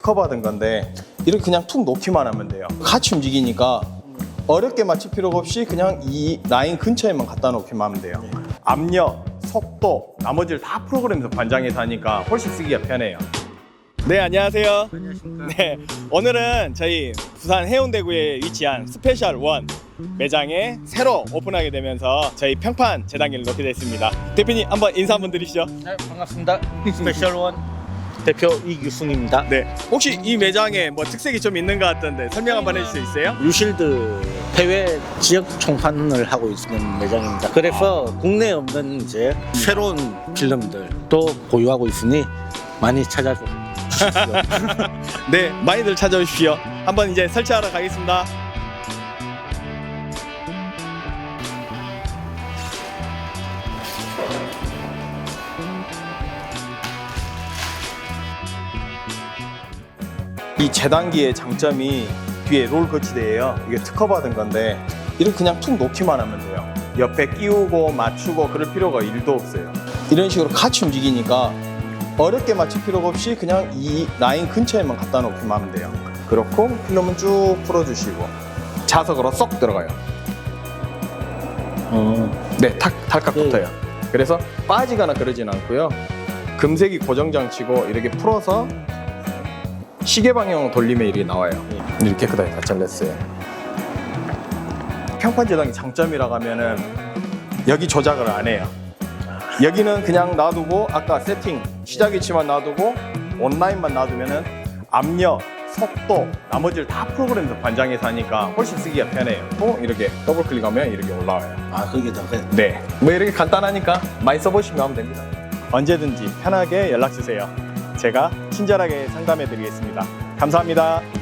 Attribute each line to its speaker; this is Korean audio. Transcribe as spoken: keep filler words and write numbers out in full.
Speaker 1: 특허받은 건데 이렇게 그냥 툭 놓기만 하면 돼요. 같이 움직이니까 어렵게 맞출 필요가 없이 그냥 이 라인 근처에만 갖다 놓기만 하면 돼요. 압력, 속도, 나머지를 다 프로그램에서 관장해서 하니까 훨씬 쓰기가 편해요. 네, 안녕하세요.
Speaker 2: 안녕하십니까.
Speaker 1: 네, 오늘은 저희 부산 해운대구에 위치한 스페셜 원 매장에 새로 오픈하게 되면서 저희 평판 재단기를 놓게 됐습니다. 대표님 한번 인사 한번 드리시죠.
Speaker 2: 네, 반갑습니다. 스페셜원 대표 이규승입니다.
Speaker 1: 네, 혹시 이 매장에 뭐 특색이 좀 있는 것 같던데 설명 한번 해주실 수 있어요?
Speaker 2: 유실드 해외 지역 총판을 하고 있는 매장입니다. 그래서 국내에 없는 이제 새로운 필름들도 보유하고 있으니 많이 찾아줘.
Speaker 1: 네, 많이들 찾아오십시오. 한번 이제 설치하러 가겠습니다. 이 재단기의 장점이 뒤에 롤 거치대예요. 이게 특허받은 건데 이렇게 그냥 툭 놓기만 하면 돼요. 옆에 끼우고 맞추고 그럴 필요가 일도 없어요. 이런 식으로 같이 움직이니까 어렵게 맞출 필요가 없이 그냥 이 라인 근처에만 갖다 놓기만 하면 돼요. 그렇고 필름은 쭉 풀어주시고 자석으로 쏙 들어가요.
Speaker 2: 어,
Speaker 1: 네, 탁, 탈칵
Speaker 2: 네.
Speaker 1: 붙어요. 그래서 빠지거나 그러진 않고요. 금색이 고정장치고 이렇게 풀어서 시계 방향으로 돌리면 이렇게 나와요. 이렇게 깨끗하게 다 잘렸어요. 평판 재단기 장점이라고 하면은 여기 조작을 안 해요. 여기는 그냥 놔두고 아까 세팅 시작 위치만 놔두고 온라인만 놔두면은 압력, 속도, 나머지를 다 프로그램에서 관장해서 하니까 훨씬 쓰기가 편해요. 또 이렇게 더블 클릭하면 이렇게 올라와요.
Speaker 2: 아 그게 더 그래.
Speaker 1: 네, 뭐 이렇게 간단하니까 많이 써보시면 하면 됩니다. 언제든지 편하게 연락 주세요. 제가 친절하게 상담해 드리겠습니다. 감사합니다.